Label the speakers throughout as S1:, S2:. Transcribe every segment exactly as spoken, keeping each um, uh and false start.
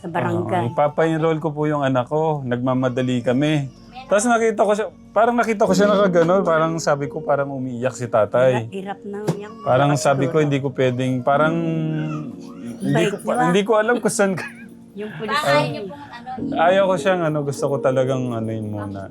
S1: sa barangay.
S2: Uh, ipapa-enroll ko po yung anak ko. Nagmamadali kami. Tapos nakita ko siya, parang nakita ko siya nakagano, parang sabi ko parang umiiyak si tatay.
S1: Hirap na yan.
S2: Parang sabi ko hindi ko pwedeng, parang hindi ko, pa, hindi ko alam kung saan.
S1: Yung pulis
S3: Ayaw
S1: ay,
S3: niyo pong ano,
S2: Ayaw ko siyang ano, gusto ko talagang ano yun muna.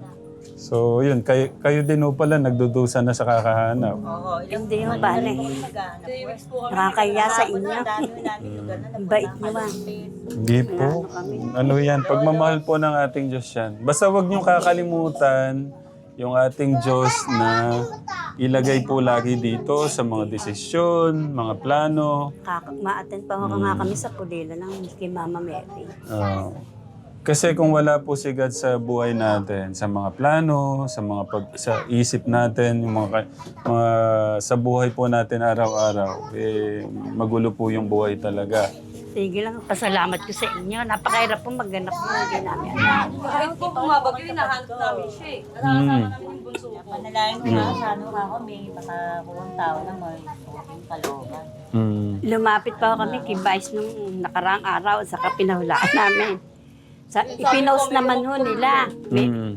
S2: So yun, kayo, kayo din ho pala nagdudusa na sa kakahanap.
S4: Oo, ilang
S1: hindi mo ba na eh.
S4: naghahanap po.
S1: Nakakaya sa inyo.
S4: Ang dami namin lugar na
S1: Ang bait nyo ba?
S2: Hindi po. Ano yan, pagmamahal po ng ating Diyos yan. Basta wag niyong kakalimutan yung ating Diyos na ilagay po lagi dito sa mga desisyon, mga plano.
S1: Kaka- ma-attend pa ako nga kami sa pulila ng kay Mama Mary.
S2: Ah, kasi kung wala po si God sa buhay natin, sa mga plano, sa mga pag, sa isip natin, yung mga, ka- mga sa buhay po natin araw-araw, eh, magulo po yung buhay talaga.
S1: Sige lang, pasalamat ko sa inyo. Napakahirap po magganap mo. Hindi namin.
S5: Kahit po bumabagyo, hinahanap namin siya eh. Nakakasama
S2: Hmm.
S5: namin yung bunso ko.
S4: Panalangin ko nga sa ano ako, may makakuwang tao na may yung kalooban.
S2: Mm.
S1: Lumapit pa ako kami kay Vice nung nakaraang araw at saka pinahulaan namin. Sa, ipinost naman ho nila. May,
S2: Mm.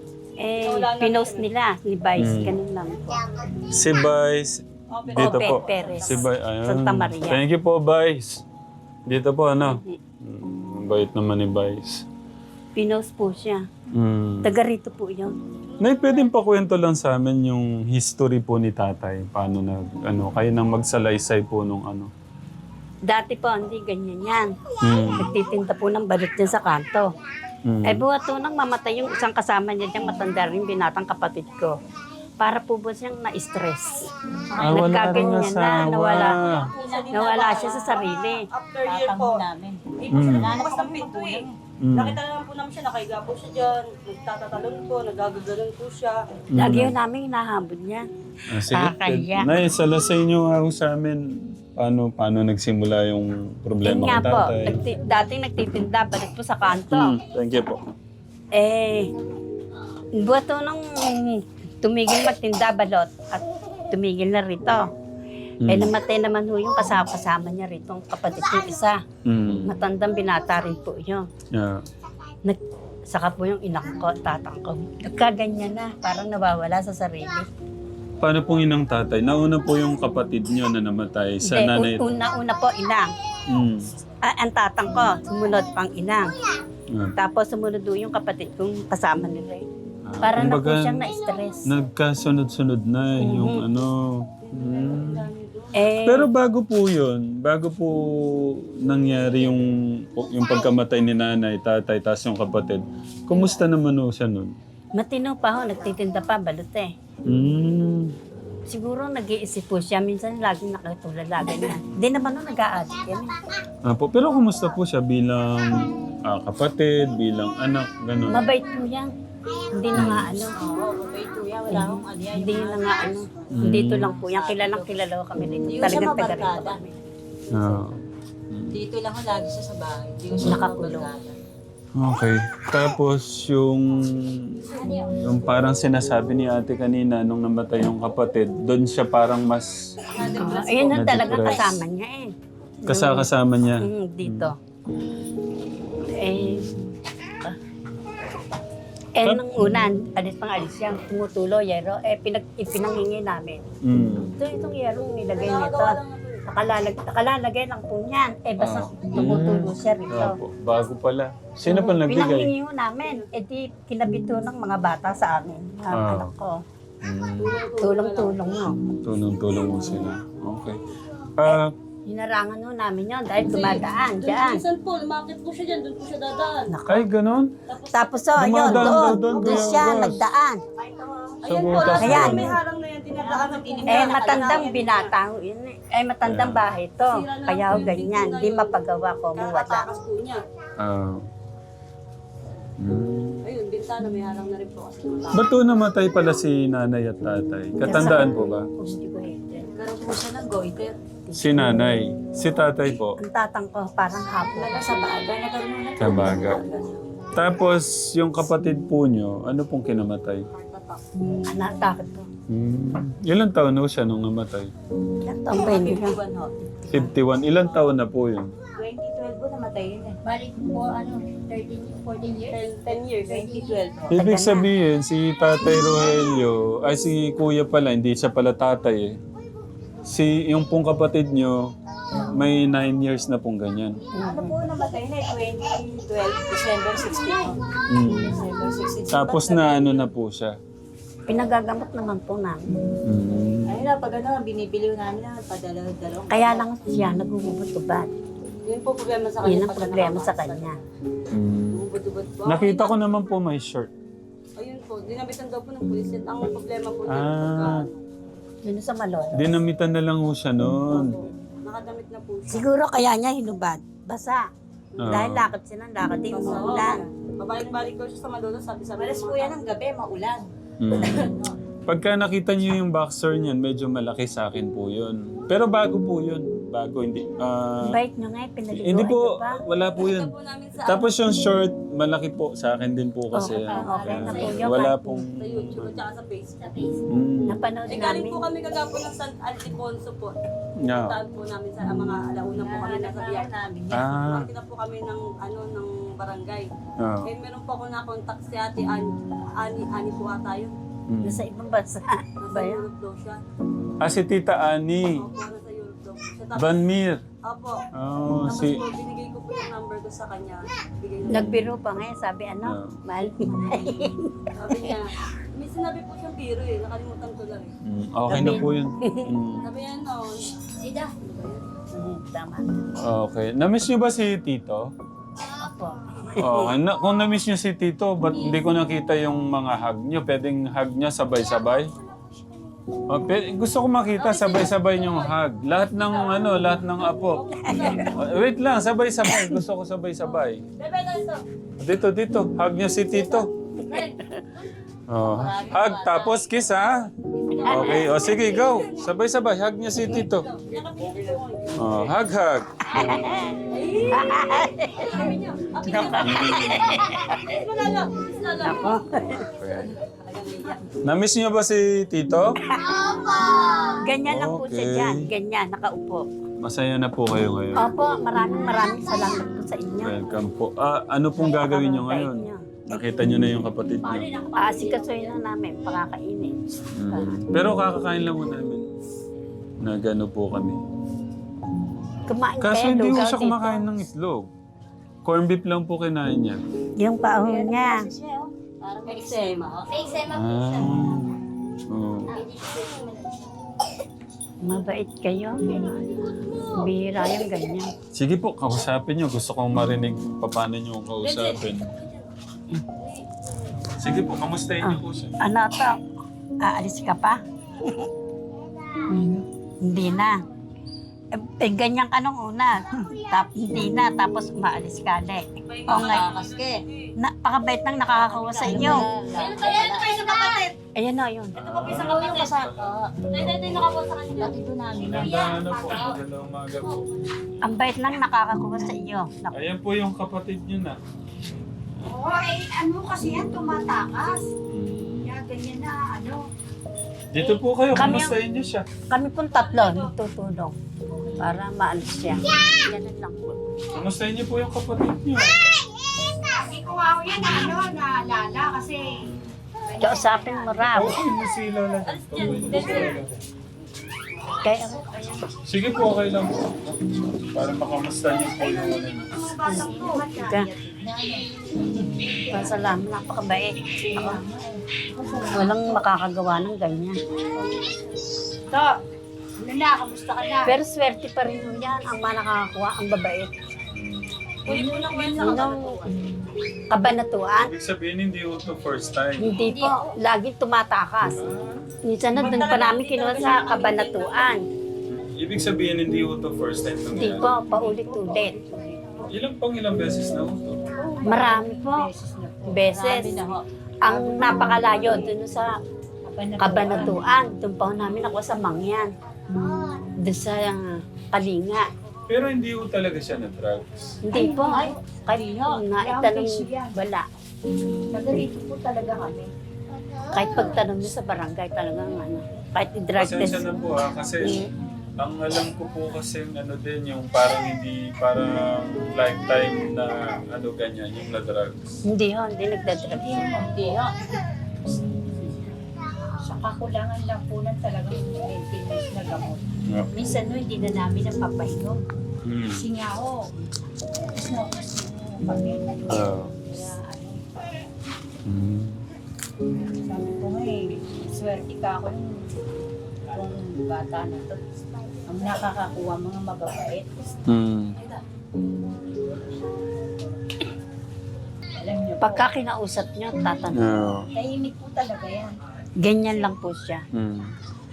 S1: eh, pinost nila ni Vice. Ganun lang po.
S2: Si Vice, dito
S1: Ope
S2: po.
S1: Perez,
S2: Si Vice, ayun.
S1: Santa Maria.
S2: Thank you po, Vice. Dito po, ano? Mm, bait naman ni Vice.
S1: Pinost po siya.
S2: Mm.
S1: Taga rito po yun.
S2: Nay, pwedeng pakwento lang sa amin yung history po ni tatay. Paano nag, ano, kayo nang magsalaysay po nung ano.
S1: Dati po, hindi ganyan yan.
S2: Mm.
S1: Nagtitinda po ng balot niya sa kanto.
S2: Mm.
S1: Eh buhat to nang mamatay yung isang kasama niya diyang matanda rin, binatang kapatid ko. Para po ba siyang na-stress.
S2: Ah, wala rin
S1: Nagkaganyan na,
S2: asawa.
S1: nawala, nawala siya sa sarili.
S5: After year
S4: Tatang
S5: po,
S4: namin.
S5: hindi po siya
S2: Mm.
S5: nagbukas ng pinto eh.
S2: Mm.
S5: Nakita na lang po namin siya, nakahiga po siya dyan, nagtatatalon po, nagagaganon po siya.
S1: Lagi yun namin hinahabol niya.
S2: Ah, sige.
S1: Nakakahiya.
S2: Nay, salasay niyo nga ho sa amin. Paano, paano nagsimula yung
S1: Yun
S2: problema
S1: nga
S2: kay
S1: po,
S2: tatay?
S1: nagti- dating nagtitinda, balik po sa kanto.
S2: Mm. Thank you po.
S1: Eh, buhat to nang tumigil magtinda balot at tumigil na rito. Eh,
S2: Mm.
S1: namatay naman ho yung kasama-kasama niya rito, ang kapatid ko isa.
S2: Mm.
S1: Matandang binata rin po yun.
S2: Yeah.
S1: Nag, saka po yung inak ko, tatang ko. Nagkaganyan na, parang nawawala sa sarili.
S2: Paano pong inang tatay? Nauna po yung kapatid niyo na namatay sa nanay.
S1: Hindi, un- una-una po inang.
S2: Mm.
S1: Ah, ang tatang ko, sumunod pang inang.
S2: Ah.
S1: Tapos sumunod do yung kapatid kong kasama nila. eh.
S2: Ah,
S1: Parang na po
S2: kumbaga,
S1: siyang na-stress.
S2: nagkasunod-sunod na yung ano. Mm.
S1: Eh,
S2: Pero bago po yun, bago po nangyari yung, yung pagkamatay ni nanay, tatay, tas yung kapatid, kumusta naman ho siya nun?
S1: matino pa ho, nagtitinda pa, balot eh.
S2: Mm.
S1: Siguro nag-iisip po siya, minsan laging nakatulala ganyan. Hindi naman ho nag-a-addict yan. eh.
S2: Ah, po, pero kumusta po siya bilang ah, kapatid, bilang anak, gano'n?
S1: Mabait po yan. Hindi na nga ano.
S4: Oo, mabait po yan. Wala akong ano yan.
S1: Hindi na nga ano. Dito lang po yan. Kilalang kilala ko kami dito.
S4: Hindi ko siya
S1: Talagang taga rito
S4: mabarkada.
S1: kami.
S2: Ah,
S4: Dito lang ako lagi siya sa bahay. Hindi ko siya
S1: Nakakulong.
S4: mabarkada.
S2: okay. Tapos yung, yung parang sinasabi ni ate kanina nung namatay yung kapatid, doon siya parang mas
S1: Uh, ayun na talagang
S2: Na-depress.
S1: kasama niya eh.
S2: kasakasama niya.
S1: Mm, dito. Eh, ah. eh, nung una, alis pang alis yan, tumutulo, yero, eh, pinag, ipinanghingi namin.
S2: Mm.
S1: Ito, itong yero, nilagay nito. Nakalalagay, nakalalagay lang po niyan. Eh, basta
S2: Ah.
S1: tumutulo siya rito.
S2: Opo, bago pala. Sino pa nagbigay?
S1: Pinanghingi ho namin. Eh, di kinabito ng mga bata sa amin. Mga
S2: Ah.
S1: anak ko.
S2: Mm.
S1: Tulong-tulong mo.
S2: Tulong-tulong mo sila. Okay. Ah,
S1: Hinarangan ho namin yun dahil dumadaan dyan.
S5: Minsan po, lumakit po siya dyan, doon po siya dadaan.
S2: ay, ganon?
S1: Tapos so, ayun,
S2: Dumadaan daw
S1: doon.
S2: doon,
S1: Doon
S2: Kuya
S1: siya
S2: August.
S1: nagdaan.
S2: Sa
S5: Ayan po,
S2: butas
S5: last
S1: Ayan.
S5: time may harang na yan, dinadaanan po.
S1: Eh, matandang binata ho yun eh. Eh, matandang bahay to. Kaya ho ganyan. Di mapagawa ko mo wala.
S5: Kakatakas po niya.
S2: Ah. Mm.
S5: Ayun, bintana, may harang na rin po kasi.
S2: Ba't to namatay pala si nanay at tatay? Katandaan po ba?
S4: Karoon po siya ng goiter.
S2: Si nanay. Si tatay po.
S1: Ang tatang ko parang hapon.
S4: Wala sa baga. Nagkaroon na
S2: Sa baga. Tapos, yung kapatid po nyo, ano pong kinamatay?
S1: Anak, takot ko.
S2: Hmm. Ilan taon na siya nung namatay?
S1: Ilang taon ba hindi ka?
S4: Buwan ho.
S2: fifty-one. Ilan taon na po yun?
S4: twenty twelve po namatay namatay yun eh.
S3: Balik po, ano, thirteen, fourteen years.
S5: ten years, twenty twelve.
S2: Ibig sabihin, si Tatay Rogelio, ay si Kuya pala, hindi siya pala tatay eh. Si, yung pong kapatid nyo, may nine years na pong ganyan.
S4: Ano po namatay na eh, twenty twelve, December sixteen.
S2: Mm.
S4: December sixteen.
S2: Tapos na ano na po siya.
S1: Pinagagamot naman po namin.
S2: Mm.
S4: Ayun na, pag ano, binibili namin na, padalaw-dalaw.
S1: Kaya lang siya nagugubot-ubad.
S5: Yun po problema sa kanya.
S1: Yun ang
S5: pag
S1: problema sa
S5: nakakasal.
S1: kanya.
S2: Mm.
S5: Ubod-ubod po.
S2: Nakita ko naman po may shirt.
S5: Ayun po, dinabitan daw po ng pulis. Yan ang problema po niya.
S2: Ah.
S5: pagka-
S1: Yun sa Malolo.
S2: Dinamitan na lang ho siya noon.
S5: Nakadamit na po siya.
S1: Siguro kaya niya hinubad. Basa.
S2: Oo.
S1: Dahil lakad siya ng lakad din
S5: Basta, oo.
S1: umulan.
S5: Babalik-balik daw siya sa Malolo, sabi sa
S4: Malas po yan ng gabi, maulan.
S2: Mm. Pagka nakita niyo yung boxer niyan, medyo malaki sa akin po yun. Pero bago po yun. Bago, hindi. ah,
S1: Bait nyo nga eh, pinaligo.
S2: hindi po,
S1: Ano ba?
S2: wala po yun.
S5: po namin sa,
S2: Tapos yung short, malaki po sa akin din po kasi.
S1: Okay,
S2: yan.
S1: okay na po
S2: Kaya
S1: yun.
S2: wala pong...
S5: sa YouTube at saka sa Facebook.
S3: Sa face.
S2: Mm.
S1: Napanood
S5: Eh, galing
S1: namin.
S5: po kami kagapo ng San Alfonso po.
S2: Yeah.
S5: Puntaan po namin sa mga alauna po kami nasa biyak.
S4: namin.
S2: Ah.
S5: Makita po kami ng ano ng barangay.
S2: Ah.
S5: Eh meron po ako na-contact si Ate Ani, Ani, Ani po ata yun.
S2: Mm.
S1: Nasa ibang bansa.
S5: Nasa
S1: Ba yan?
S5: Europe daw siya.
S2: Ah, si Tita Ani.
S5: Opo, nasa Europe daw po siya. Tapos,
S2: Vanmir.
S5: opo.
S2: Oh,
S5: Tapos
S2: si...
S5: po, binigay ko po yung number ko sa kanya. Bigay niya.
S1: Nagbiro pa nga eh, sabi ano,
S2: Ah.
S1: mahal.
S5: Sabi niya, may sinabi po siyang biro eh. Nakalimutan ko lang eh.
S2: Mm, okay na po yun. Mm.
S5: Sabi niya, no,
S3: Ida.
S1: Hmm, Tama.
S2: Okay. Na-miss niyo ba si Tito?
S1: Opo.
S2: Okay. Na, kung na-miss niyo si Tito, ba't hindi ko nakita yung mga hug niyo? Pwedeng hug niya sabay-sabay? Oh, pe- gusto ko makita sabay-sabay yung hug. Lahat ng ano, lahat ng apo. Oh, wait lang, sabay-sabay. Gusto ko sabay-sabay.
S5: bebe na ito.
S2: Dito, dito. Hug niya si Tito. Oh, hug tapos kiss ha. Okay, o sige, go. Sabay-sabay, hug niya si Tito. Oh, hug, hug.
S5: Sabi niya, akin na. Kiss mo na lang. Kiss na lang.
S2: Na-miss niyo ba si Tito?
S1: Ganyan lang po siya
S2: Okay.
S1: dyan. Ganyan, nakaupo.
S2: Masaya na po kayo ngayon.
S1: Opo, maraming maraming salamat po sa inyo.
S2: Welcome po. Ah, ano pong gagawin niyo ngayon? Nakita niyo na yung kapatid niyo.
S1: Aasikasuhin na namin, pakakainin.
S2: Mm. Pero kakakain lang mo namin. Nagano po kami.
S1: Kumain
S2: Kaso
S1: kayo,
S2: hindi ko
S1: lugaw
S2: siya
S1: dito.
S2: kumakain ng itlog. Corn beef lang po kinain niya.
S1: Yung paahon niya.
S4: Parang may eksema.
S3: May eksema po
S2: Ah.
S3: siya.
S2: Oh.
S1: Mabait kayo. Bihira yung ganyan.
S2: Sige po, kausapin niyo. Gusto kong marinig paano niyo kausapin. Sige po, kamustahin niyo po siya.
S1: Ano to? Aalis ka pa? Hmm, Hindi na. Eh, eh, ganyan ka nung una. Tap, hindi na. Tapos umaalis ka ulit. O nga,
S4: Kaske.
S1: napakabait nang nakakakuha sa inyo.
S5: Ayun pa yan, ito pa yung sa kapatid.
S1: Ayan o, yun.
S5: Ito pa po yung sa kapatid. Ito, ito, ito yung nakapo sa kanya.
S3: Dito namin.
S2: Magandang ano po, magandang umaga po.
S1: Ang bait nang nakakakuha sa iyo. Naku,
S2: Ayan po yung kapatid niyo na.
S3: Oo, eh, ano kasi yan, tumatakas.
S2: Mm.
S3: Kaya ganyan na, ano.
S2: Dito po kayo,
S1: Kami
S2: kamustahin niyo siya.
S1: kami pong tatlo nagtutulong para maalis siya. Ganun lang po.
S2: Kamustahin niyo po yung kapatid niyo.
S3: Hindi ko nga ako yan, na, ano, naalala kasi.
S1: Kausapin mo raw.
S2: Okay mo si Lola. Okay mo si Lola.
S1: Kaya,
S2: Sige po, okay lang po. Para makamusta niyo po yung ano niyo.
S1: ka. Pasalamat, napakabait. Ako, walang makakagawa ng ganyan.
S3: To, ano na, kamusta ka na?
S1: Pero swerte pa rin mo yan. Ang mga nakakakuha, ang babait. Yun ang kabanatuan.
S2: Ibig sabihin, hindi po ito first time.
S1: Hindi po, laging tumatakas. Minsan na doon pa namin kinuha sa kabanatuan.
S2: Ibig sabihin, hindi po ito first time
S1: Hindi
S2: nangyari.
S1: po, paulit-ulit.
S2: Ilang pang ilang beses na po ito?
S1: Marami po. Beses. Ang napakalayo doon sa kabanatuan. Doon pa ho namin ako sa Mangyan. Doon sa uh, Kalinga.
S2: Pero hindi po talaga siya na-drugs.
S1: Hindi po. Kahit naitanong, wala.
S3: Taga rito po talaga kami.
S1: Kahit pagtanong niyo sa barangay talagang ano. Kahit i-drug
S2: Pasensya
S1: test.
S2: na po ha, kasi ang alam ko po kasi ano din, yung parang hindi, parang lifetime na ano ganyan, yung na drugs.
S1: Hindi ho, hindi nagdadrugs.
S4: Hindi ho.
S3: Sa kakulangan lang po ng talagang maintenance na gamot.
S2: Yeah.
S3: Minsan no, hindi na namin napapahinom.
S2: Mm.
S3: Kasi nga ho, smokers mo kami.
S2: Ah.
S3: Kaya ano,
S2: Mm.
S3: sabi ko nga eh, swerte ka ako yung itong bata na to. Ang nakakakuha mga mababait.
S2: Mm.
S3: Alam niyo po,
S1: Pagka kinausap nyo, tatanong.
S2: Yeah.
S3: tahimik po talaga yan.
S1: Ganyan lang po siya.
S2: Mm.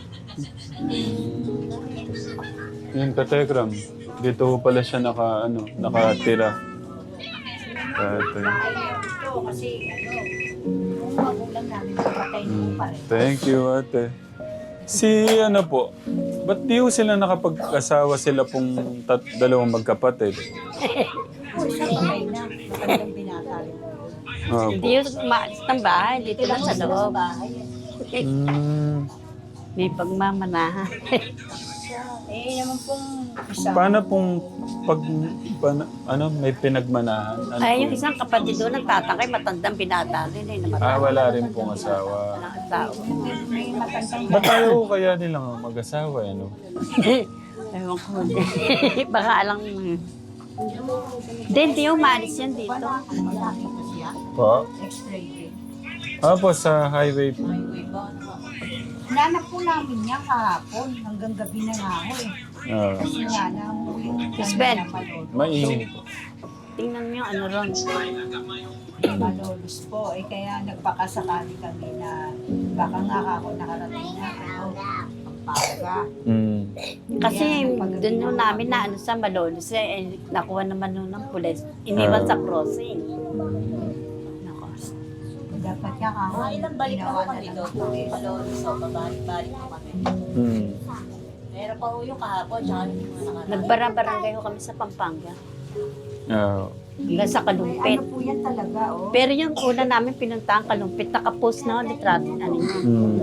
S2: Yun, katekram. Dito ho pala siya naka, ano, nakatira. Tatay.
S3: Ayaw ito kasi ano, yung magulang namin patay na po pa rin.
S2: Thank you, ate. Si ano po, ba't di ho sila nakapag-asawa sila pong tat dalawang magkapatid?
S3: Po, isa patay na, magandang binata rin po yun.
S2: Ah,
S1: Hindi yung maalis ng bahay, dito lang sa loob.
S3: bahay.
S2: mm,
S1: May pagmamanahan.
S3: Eh, naman pong isa.
S2: paano pong pag, paano- ano, may pinagmanahan? Ano
S1: Ay,
S2: po
S1: yung
S2: yun?
S1: isang kapatid doon, nagtatangay, matandang binata rin eh. Namatay.
S2: Ah, wala rin pong asawa.
S1: Walang asawa.
S3: May matandang
S2: Ba't ayaw ho kaya nilang mag-asawa, ano?
S1: Ewan ko. Baka alang... Hindi, hindi umalis yan dito.
S3: malaki po siya.
S2: Po?
S3: X-ray din.
S2: Ah, po, sa highway po.
S3: Nanap po namin niya kahapon. Hanggang gabi na nga ako eh.
S2: Ah,
S3: Kasi nga na yung
S1: Miss Ben.
S2: mainit po.
S1: Tingnan nyo ano ron.
S3: Malolos po. Eh kaya nagpakasakali kami na baka nga ako nakarating na ano, Pampanga.
S2: Mm.
S1: Kasi doon nung namin na ano sa Malolos eh, eh, nakuha naman nun ng pulis. Iniwan sa crossing. Nako.
S3: Dapat niya kahapon.
S4: Mga ilang balik na
S3: ginawa
S4: ho kami
S3: lang
S4: doon.
S3: ng pulis.
S4: Malolos ho, babalik-balik ho kami.
S2: Mm.
S4: Meron pa ho yung kahapon, tsaka yung mga nakaraan.
S1: Nagbarang-barangay ho kami sa Pampanga.
S2: Ah,
S1: Hanggang sa Kalumpit.
S3: Ano po yan talaga oh.
S1: Pero yung una namin pinuntahan Kalumpit, nakapost na ho, litrato ano niya.
S2: mm.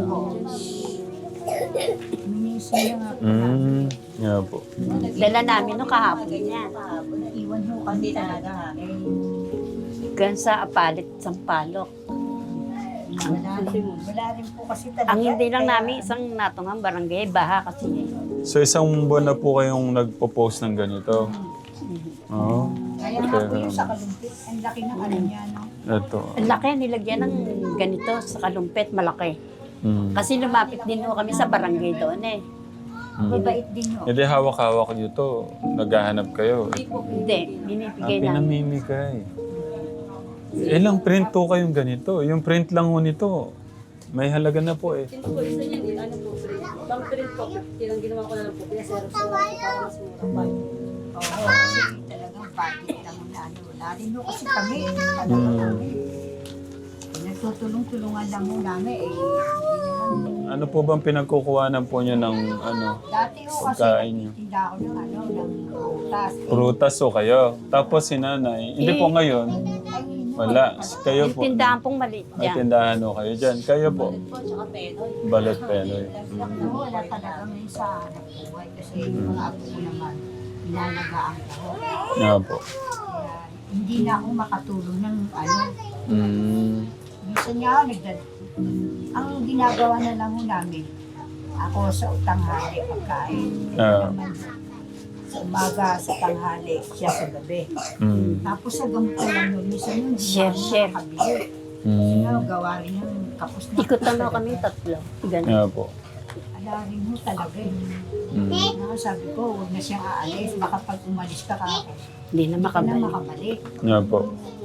S3: Minsan na nga po.
S2: Mm. Yeah po.
S1: Dala namin no kahapon niya.
S4: Kahapon,
S3: Iwan ho kami talaga. Eh,
S1: Hanggang sa Apalit, Sampalok.
S3: wala rin, wala rin po kasi talaga.
S1: Ang hindi lang
S3: Kaya-
S1: namin isang natungang barangay, baha kasi.
S2: So isang buwan na po kayong nagpo-post ng ganito? Oo.
S3: Kaya nga po yung sa kalumpit, ang laki ng ano niya, no?
S2: Ito.
S1: Ang laki, nilagyan ng ganito sa Kalumpit, malaki.
S2: Mm.
S1: Kasi lumapit din ho kami sa barangay doon eh.
S2: Mm.
S3: Mabait din ho.
S2: Hindi hawak-hawak nyo to. Naghahanap kayo.
S1: Hindi,
S2: Ah,
S1: binibigay namin.
S2: pinamimigay. Ilang print to kayong ganito? Yung print lang ho nito. May halaga na po eh.
S5: Yun po, isa niyan, eh, ano po, print. Bang print po, tinang ginawa ko na lang po, kaya zero po, para mas mura.
S3: Oo, kasi talagang budget lang na ano. Wala rin ho kasi kami. Talaga
S2: Mm.
S3: kami. Nagtutulong-tulungan lang ho namin eh. Hindi naman.
S2: Ano po bang pinagkukuhanan po nyo ng ano?
S3: Dati ho kasi
S2: Pagkain niyo.
S3: nagtitinda ako ng ano, ng prutas. Eh,
S2: Prutas o kayo. Tapos si nanay. Hindi po ngayon.
S3: ay, no,
S2: Wala. Kayo
S1: Yung
S2: po.
S1: tindahan pong maliit
S2: Ay,
S1: dyan.
S2: tindahan ho kayo dyan. Kayo po.
S4: po, tsaka penoy.
S2: Balot penoy.
S3: Nagtiyak na ho, wala talaga ngayon sa hanap buhay. Kasi yung mga apo ko naman, inalagaan ko.
S2: Nga po.
S3: Kaya hindi na ako makatulong ng ano.
S2: Mm.
S3: Minsan nga ako nagdad... Ang ginagawa na lang ho namin, ako sa tanghali pagkain.
S2: Ah.
S3: Naman, sa umaga, sa tanghali, siya sa gabi.
S2: Mm.
S3: Tapos sa gamot ko lang nun, minsan yun,
S1: Share, share.
S3: Kabili.
S2: Mm.
S3: Ano, gawa rin yung kapos na.
S1: Ikutan ho kami tatlo. Ganun.
S2: Nga po.
S3: Ala rin mo talaga eh.
S2: Mm.
S3: Ano, sabi ko, huwag na siyang aalis. Baka pag umalis ka ka,
S1: Hindi na
S3: hindi ka na
S1: makabalik.
S3: makabalik.
S2: Nga po.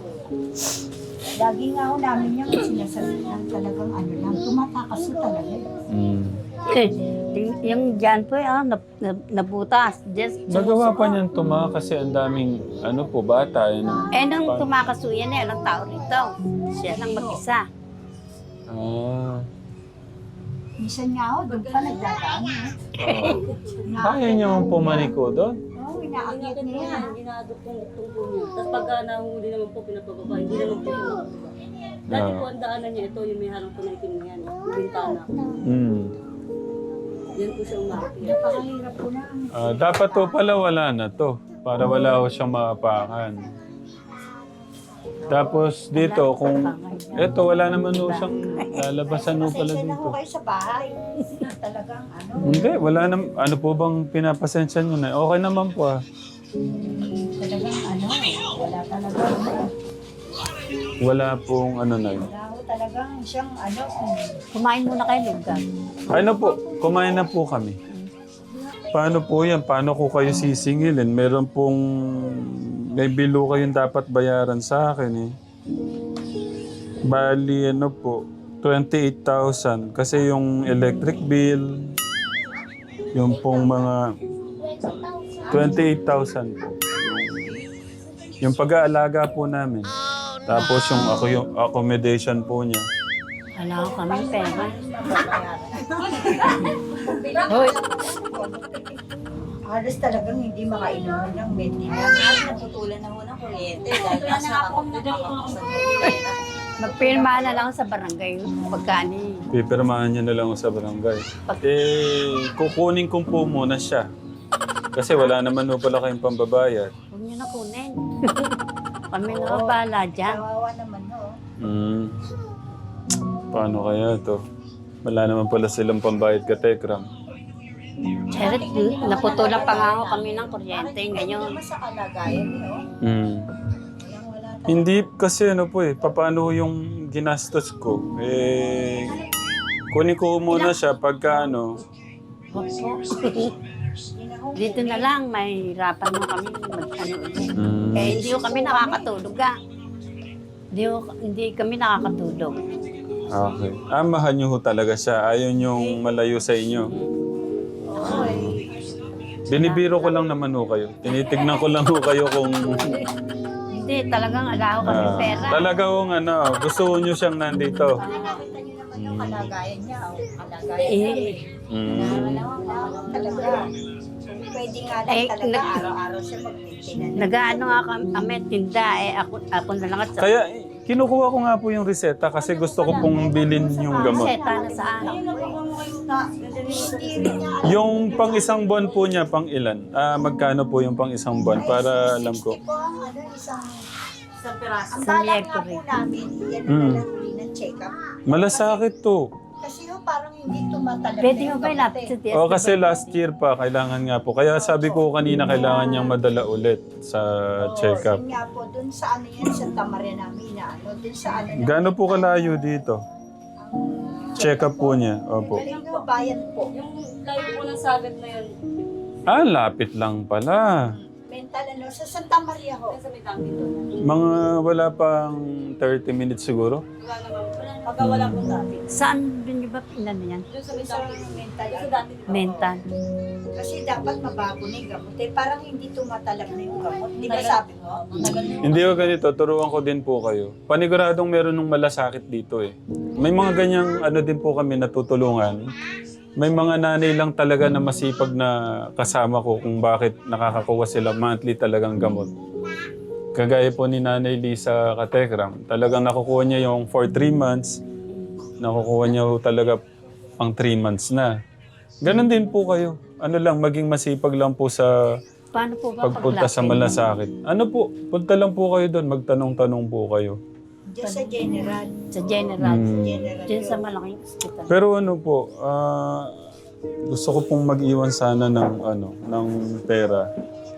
S3: Lagi nga ako namin yung sinasabi lang talagang ano lang, tumatakas ko talaga. eh.
S2: Mm.
S1: Yung- yung dyan po, ah, nab, nab, nabutas. Just,
S2: Nagawa pa niyan tuma kasi ang daming ano po bata. Ano?
S1: Eh, nung tumakasuyan eh, ilang tao rito. Siya lang mag-isa.
S2: Ah.
S3: Minsan nga ako, doon pa nagdadaan. Eh.
S2: Oh. Kaya niyo mong pumaniko doon?
S3: Oo, inaakit
S5: Inakit
S3: niya
S5: po
S3: yan.
S5: yan, ginagap pong tungkol niya. Tapos pagka nahuli naman po, pinapababa, hindi naman po siya makababa. Dati
S2: Ah.
S5: po ang daanan niya, ito yung may harang po na itim na yan, yung bintana.
S2: Mm.
S5: Yan po siya umaakyat.
S3: Napakahirap po na.
S2: Ah, dapat to pala wala na to. Para wala ko siyang maapakan. Tapos dito, kung... Eto, wala naman no siyang lalabasan no pala
S3: Pasensya na
S2: dito.
S3: ho kayo sa bahay. Talagang ano.
S2: Hindi, wala naman. Ano po bang pinapasensya nyo na? Okay naman po ah.
S3: Talagang ano. Wala talaga.
S2: Wala pong ano na yun.
S3: Wala ho talagang siyang ano.
S1: Kumain muna kayo, Lugan.
S2: Ano po, kumain na po kami. Paano po yan? Paano ko kayo sisingilin? Meron pong... May bilo kayong dapat bayaran sa akin eh. Bali ano po, twenty-eight thousand. Kasi yung electric bill, yung pong mga twenty-eight thousand po. Yung pag-aalaga po namin. Tapos yung ako yung accommodation po niya.
S1: Wala ko kami pera. Hoy,
S3: Halos talagang hindi makainuman ng maintenance.
S4: Naputulan na ho ng kuryente dahil nasa nakakapagpapakasal ng kuryente.
S1: magpirma na lang sa barangay pagkani.
S2: Pipirmahan niya na lang ako sa barangay. Eh, kukunin ko po muna siya. Kasi wala naman po pala kayong pambabayad.
S1: Huwag niyo na kunin. Kami na bahala dyan.
S3: Kawawa naman ho.
S2: Hmm. Paano kaya to? Wala naman pala silang pambayad ka, Tekram.
S1: Charit, naputulan pa nga ako kami ng kuryente ngayon.
S3: Naman sa kalagayan niyo.
S2: Hmm.
S3: Walang wala talaga.
S2: Hindi kasi ano po eh, paano yung ginastos ko? Eh, kunin ko muna siya pagka ano.
S1: Opo. Dito na lang, may hirapan mo kami mag-ano.
S2: Hmm.
S1: Eh, hindi ko kami nakakatulog ah. Hindi, ko, hindi kami nakakatulog.
S2: Okay. Ah, mahal niyo ho talaga siya. Ayaw niyong malayo sa inyo. Binibiro ko lang naman ho kayo. Tinitignan ko lang ho kayo kung...
S1: Hindi, talagang alaho kami
S2: ah,
S1: pera.
S2: talaga hong ano, gusto niyo siyang nandito.
S3: Nakita niyo naman yung kalagayan niya. O, kalagayan
S1: Eh,
S3: niya.
S2: Hmm.
S3: Wala talaga. Pwede nga lang
S1: Eh,
S3: talaga
S1: nag-
S3: araw-araw siya mag-maintenance.
S1: Nag-ano nga kami, tinda eh, ako, ako na lang at sa...
S2: Kaya eh, kinukuha ko nga po yung reseta kasi gusto ko pong bilhin yung gamot.
S1: Seta na saan?
S2: Yung pang isang buwan po niya, pang ilan? Ah, magkano po yung pang isang buwan para alam ko.
S3: sixty po ang ano, isang...
S4: Isang piraso.
S3: Ang
S1: Sa
S3: balak nga
S1: Mercury.
S3: po namin, yan
S2: Mm.
S3: na lang uli ng check-up.
S2: Malasakit to.
S3: Kasi ho, parang hindi tumatalag
S1: Pwede
S3: na
S1: mo
S3: yung
S1: ba
S3: gamot
S1: ilapit sa
S3: eh.
S1: tiyas?
S2: O kasi last year pa, kailangan nga po. Kaya sabi ko kanina, kailangan niyang madala ulit sa
S3: Oo,
S2: check-up.
S3: yun nga po, dun sa ano yan, sa Tamaria namin na ano, dun sa ano na...
S2: Gaano po kalayo dito? Check-up po niya. Opo.
S3: Galing po, bayan po.
S5: Yung layo po ng sagat na yun,
S2: Ah, lapit lang pala.
S3: Mental ano, sa Santa Maria ho.
S5: yan sa may tangki doon.
S2: Mga wala pang thirty minutes siguro.
S5: Wala naman. Pagka wala pong dati.
S1: Saan din ba pinano yan?
S5: Doon sa may
S3: Sa
S5: tangki.
S3: mental
S5: Doon sa
S3: ano.
S5: dati. di ba?
S1: Mental.
S3: Kasi dapat mabago na yung gamot. Eh, parang hindi tumatalag na yung gamot. Di ba sabi mo?
S5: Tagal na.
S2: Hindi ko ganito, turuan ko din po kayo. Paniguradong meron ng malasakit dito eh. May mga ganyang ano din po kami natutulungan. May mga nanay lang talaga na masipag na kasama ko kung bakit nakakakuha sila monthly talagang gamot. Kagaya po ni Nanay Lisa Katekram, talagang nakukuha niya yung for three months, nakukuha niya ho talaga pang three months na. Ganon din po kayo. Ano lang, maging masipag lang po sa
S1: Paano po ba
S2: pagpunta sa
S1: paglapit?
S2: malasakit. Ano po, punta lang po kayo doon, magtanong-tanong po kayo.
S3: Diyan sa general.
S1: Sa general.
S2: Hmm.
S3: General
S1: Diyan sa
S3: yun.
S1: malaking hospital.
S2: Pero ano po, ah, gusto ko pong mag-iwan sana ng ano, ng pera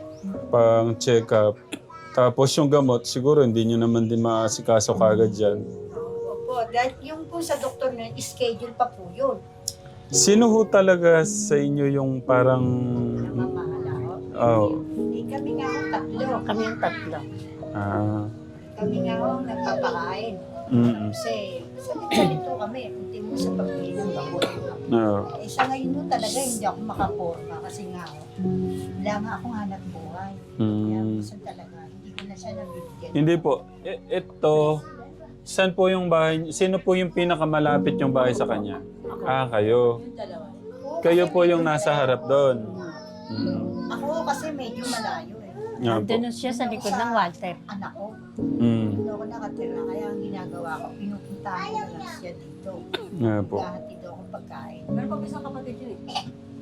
S2: pang check-up. Tapos yung gamot, siguro hindi nyo naman din maasikaso kagad dyan.
S3: Opo, dahil yung po sa doktor na schedule pa po yun.
S2: Sino ho talaga sa inyo yung parang...
S3: Namamahala ho.
S2: Oh.
S3: Eh, kami nga ho, tatlo.
S1: Kami yung tatlo.
S2: Ah,
S3: Kami nga ho, nagpapakain.
S2: mm,
S3: Kasi, salit-salit ho kami. Kunti mo sa pagbili ng gamot.
S2: no.
S3: Eh, sa ngayon ho talaga, hindi ako makaporma. Kasi nga ho, wala nga akong hanap buhay. Kaya
S2: Mm.
S3: gusto talaga, hindi ko na siya nabibigyan.
S2: Hindi po. E- ito, saan po yung bahay? Sino po yung pinakamalapit yung bahay sa kanya? Ah, kayo.
S5: Yung dalawa.
S2: Kayo po yung nasa harap doon. Mm.
S3: Ako ho kasi medyo malayo eh.
S2: Nga po.
S1: Nandun siya sa likod ng Walter.
S3: Anak ko,
S2: Mm.
S3: hindi ako nakatira. Kaya ang ginagawa ko, pinupuntahan ko na lang siya dito.
S2: Nga po.
S3: Gahatid ako pagkain.
S5: Pero pag isang kapatid yun eh.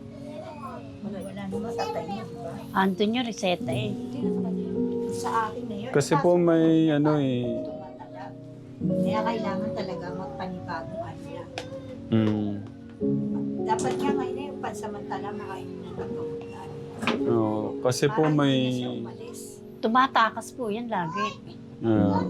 S3: Wala naman tatay mo, di ba?
S1: Andun yung reseta eh.
S3: Sa akin na yun.
S2: Kasi po may ano eh.
S3: Tumatala. Kaya kailangan talaga magpanibagong ano na.
S2: Mm.
S3: Dapat nga ngayon na yung pansamantala makain na ng gamot na ano.
S2: Oo, kasi po
S3: Para
S2: may...
S3: hindi na siya umalis.
S1: Tumatakas po yan lagi.
S2: Ah.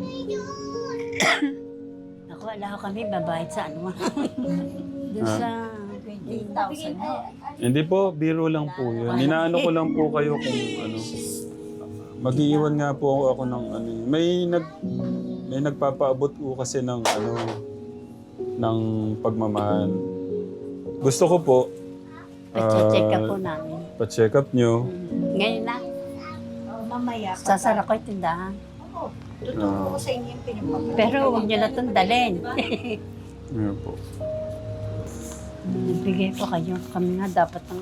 S1: Ako, wala ko kami babayad sa ano. Doon
S2: Ah.
S1: sa...
S3: twenty thousand no?
S2: Hindi po, biro lang po yun. Ninaano ko lang po kayo kung ano. Mag-iiwan nga po ako ng ano. eh. May nag may nagpapaabot po kasi ng ano ng pagmamahal. Gusto ko po
S1: Pa-check up
S2: ah,
S1: po namin.
S2: pa-check up nyo.
S1: Ngayon na,
S3: Oh, mamaya.
S1: sasara ko yung tindahan.
S3: Oo. Tuturo ko sa inyo yung pinagpapalit.
S1: Pero huwag nyo na itong dalhin.
S2: Ano po.
S1: Nagbigay po kayo. Kami nga dapat ng...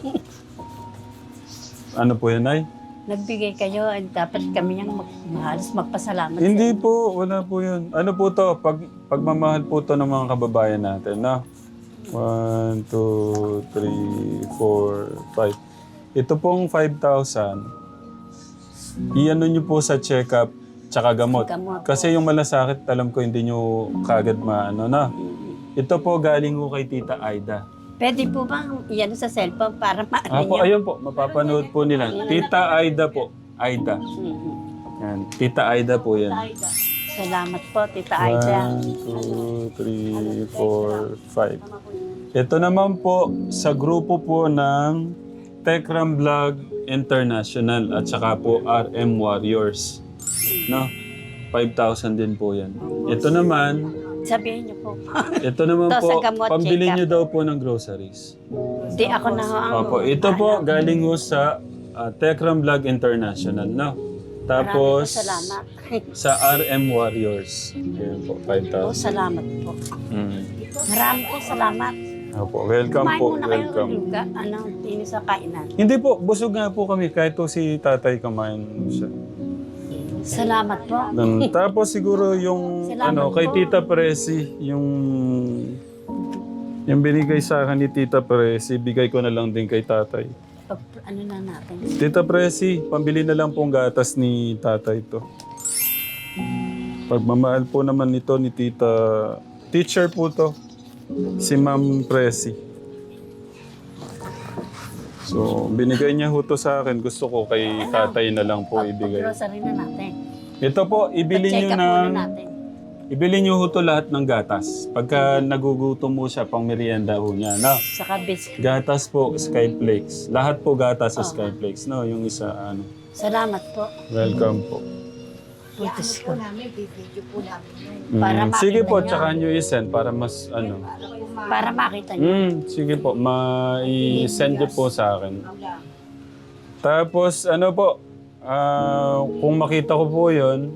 S2: Ano po yan, Nay?
S1: Nagbigay kayo at dapat kami yung mag halos magpasalamat sa
S2: Hindi
S1: inyo.
S2: po, wala po yun. Ano po to? Pag, pagmamahal po to ng mga kababayan natin, no? One, two, three, four, five. Ito pong five thousand. Iano nyo po sa check-up tsaka gamot.
S1: Gamot.
S2: Kasi yung malasakit, alam ko hindi nyo kagad maano na. Ito po galing ko kay Tita Aida.
S1: Pwede po bang iyan sa cellphone para maano
S2: Ah po,
S1: nyo?
S2: ayun po, mapapanood po nila. Tita Aida po. Aida.
S1: Mhm.
S2: Yan. Tita Aida po yan.
S1: Salamat po, Tita Aida.
S2: One, two, three, four, five. Ito naman po sa grupo po ng Tekram Vlog International at saka po R M Warriors. No? five thousand din po yan. Ito naman,
S1: Sabihin niyo po.
S2: ito naman
S1: Ito sa
S2: po,
S1: gamot,
S2: pambili
S1: check-up.
S2: nyo daw po ng groceries.
S1: Di ako na ho ang...
S2: Opo, ito po galing ho sa uh, Tekram Vlog International. No?
S1: Marami po
S2: Tapos
S1: salamat.
S2: sa R M Warriors. Ayan po, five
S1: Po,
S2: thousand.
S1: salamat po.
S2: Mm.
S1: Marami po salamat.
S2: Opo, welcome
S1: Kumain
S2: po,
S1: muna kayo
S2: welcome.
S1: ng luga. Ano, ini sa kainan.
S2: Hindi po, busog nga po kami kahit po si tatay kumain siya.
S1: Salamat po.
S2: Um, tapos siguro yung
S1: Salamat
S2: ano kay
S1: po.
S2: Tita Presi, yung yung binigay sa akin ni Tita Presi, bigay ko na lang din kay tatay.
S1: Pag, ano na natin.
S2: Tita Presi, pambili na lang pong gatas ni tatay to. Pagmamahal po naman nito ni Tita, teacher po to, si Ma'am Presi. So, binigay niya ho to sa akin. Gusto ko kay tatay na lang po ibigay.
S1: Pag-grocery na natin.
S2: Ito po, ibili
S1: Pag-check
S2: niyo
S1: up
S2: ng...
S1: muna natin.
S2: Ibili niyo ho to lahat ng gatas. Pagka nagugutom mo siya, pang merienda ho niya. No?
S1: Saka biscuit.
S2: Gatas po, Skyflakes. Lahat po gatas sa Skyflakes. No? Yung isa, ano.
S1: Salamat po.
S2: Welcome po.
S1: Putis
S3: Iano po
S1: ko.
S3: namin, bibidyo po namin yun.
S2: Mm,
S1: Para
S2: sige
S1: makita
S2: po,
S1: niyo.
S2: tsaka nyo i-send para mas, ano.
S3: Para po ma-
S1: Para makita niyo.
S2: Mm, sige po, ma-i-send nyo po sa akin.
S3: Wala.
S2: Tapos, ano po, ah, kung makita ko po yun,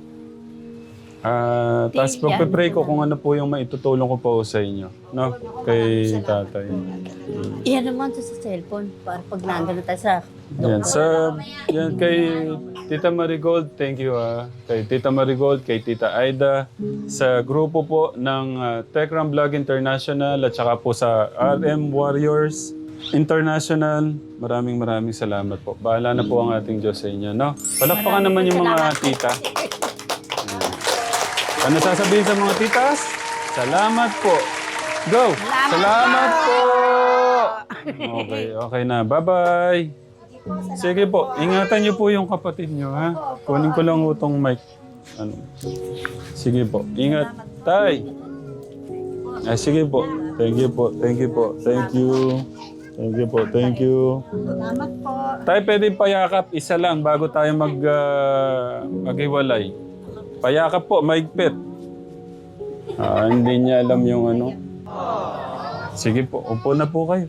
S2: ah, tapos
S1: Yan.
S2: pagpe-pray ko kung ano po yung maitutulong ko po sa inyo. No? Kay tatay.
S1: Iyan naman to sa cellphone. Para pag nandun na tayo sa
S2: Yan, sa, yan kay Tita Marigold, thank you ah. Kay Tita Marigold, kay Tita Aida, sa grupo po ng uh, Tekram Vlog International at saka po sa R M Warriors International. Maraming maraming salamat po. Bahala na po ang ating Diyos sa inyo, no? Palakpakan naman yung mga tita. Yan. Ano sasabihin sa mga titas? Salamat po. Go! Salamat po! Okay, okay na. Bye-bye! Sige po, ingatan niyo po yung kapatid niyo, ha? Kunin ko lang utong mic. Ano? Sige po, ingat. Tay! Ah, sige po. Thank you po, thank you po, thank you. Thank you po, thank you.
S3: Salamat po.
S2: Tay, pwede payakap, isa lang bago tayo mag, ah, maghiwalay. Payakap po, maigpit. Ah, hindi niya alam yung ano. Sige po, upo na po kayo.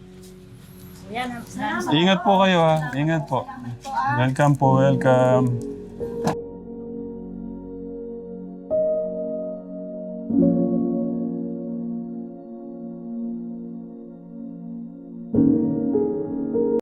S3: Yan, salamat.
S2: Ingat po kayo ha. Ingat po. Welcome po, welcome.